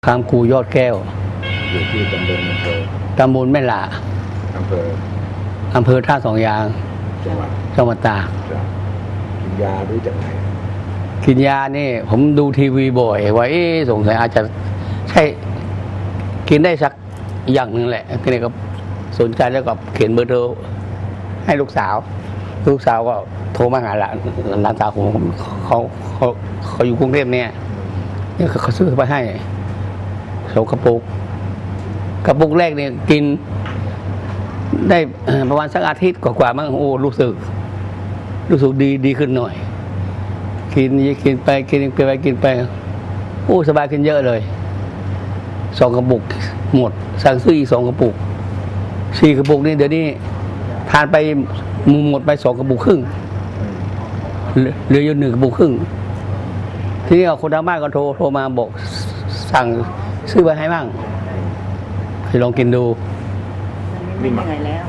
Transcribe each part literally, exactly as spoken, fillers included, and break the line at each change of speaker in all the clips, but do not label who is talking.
คามคูยอดแก้ว
อยู่ที่ตำบลอำเภอ
ตำบลแม่หล่า
อำเภอ
อำเภอท่าสองยาง
จังหวัด
จังหวัดตาก
กินยาด้วยจากไหน
กินยานี่ผมดูทีวีบ่อยว่าสงสัยอาจจะใช่กินได้สักอย่างหนึ่งแหละทีนี้ก็สนใจแล้วก็เขียนเบอร์โทรให้ลูกสาวลูกสาวก็โทรมาหาหลานหลานสาวผมเขาเขาเขาอยู่กรุงเทพเนี่ยนี่เขาซื้อไปให้สองกระปุกกระปุกแรกเนี่ยกินได้ประมาณสักอาทิตย์กว่าๆมั้งโอ้รู้สึกรู้สึกดีดีขึ้นหน่อยกินกินไปกินไปกินไปโอ้สบายขึ้นเยอะเลยสองกระปุกหมดสั่งซื้ออีกสองกระปุกสี่กระปุกนี่เดี๋ยวนี้ทานไปหมดไปสองกระปุกครึ่งเหลืออยู่หนึ่งกระปุกครึ่งทีนี้คนทางบ้านก็โทรโทรมาบอกสั่งซื้อไปให้บ้างให้ลองกินดู
ไม่เหนื่อยแล้ว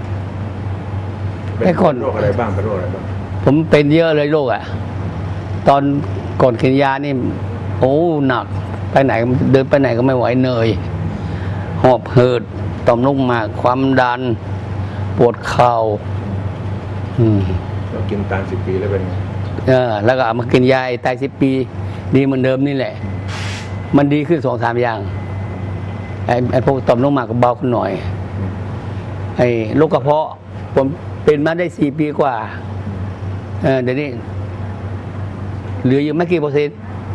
ไอ้คน
โรคอะไรบ้างเป็นโรคอะไรบ้าง
ผมเป็นเยอะเลยโรคอ่ะตอนก่อนกินยานี่โอ้หนักไปไหนเดินไปไหนก็ไม่ไหวเหนื่อยหอบหืดต่อมลูกหมากความดันปวดเข่าอืม
เรากินตามสิบปีแล้วเป็นไง
เออแล้วก็เอามากินยาตายสิบปีดีเหมือนเดิมนี่แหละมันดีขึ้นสองสามอย่างไอ้ไอ้พวกต่อมลูกหมากก็เบาขึ้นหน่อยไอ้โรคกระเพาะผมเป็นมาได้สี่ปีกว่าเออเดี๋ยวนี้เหลืออยู่ไม่กี่เปอร์เซ็นต์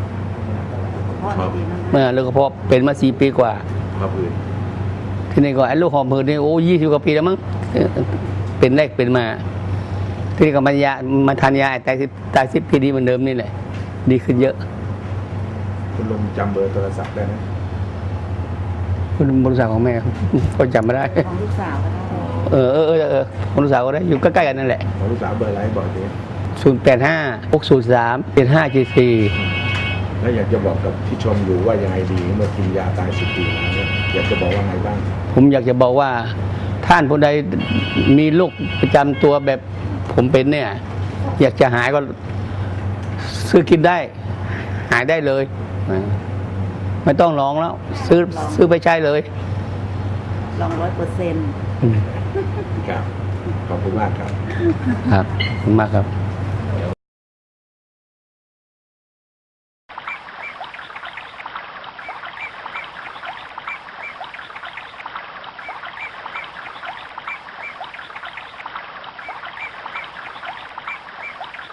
เมื่อโรคกระเพาะเป็นมาสี่ปีกว่า
ครับอื่น
ที่นี่ก็ไอ้โรคหอบหืดนี่โอ้ยี่สิบกว่าปีแล้วมั้งเป็นแรกเป็นมาที่นี่ก็มายามาทานยาแต่สิบตายสิบปีดีเหมือนเดิมนี่แหละดีขึ้นเยอะ
คุณลุงจำเบอร์โทรศัพท์ได้ไหม
คุณบริษัทของแม่ก็จำไม่ได้
ของลูกสาวก็ได้
เออเออเออเออของลูกสาวก็ได้อยู่ใกล้ๆกันนั่นแหละ
ของลูกสาวเบอร์อะไรบอกดิ
ศูนย์แปดห้าหกศูนย์สามเจ็ดห้าเจ็ดสี่
แล้วอยากจะบอกกับที่ชมอยู่ว่ายังไงดีเมื่อกินยาตายสิบปีแล้วเนี่ยอยากจะบอกว่าไงบ้าง
ผมอยากจะบอกว่าท่านผู้ใดมีโรคประจำตัวแบบผมเป็นเนี่ยอยากจะหายก็ซื้อกินได้หายได้เลยไม่ต้องร้องแล้วซื้อซื้อไปใช้เลย
ลองร้อยเปอร์เซ็นต์
ครับขอบคุณมากครับ
ครับขอบคุณมากครับ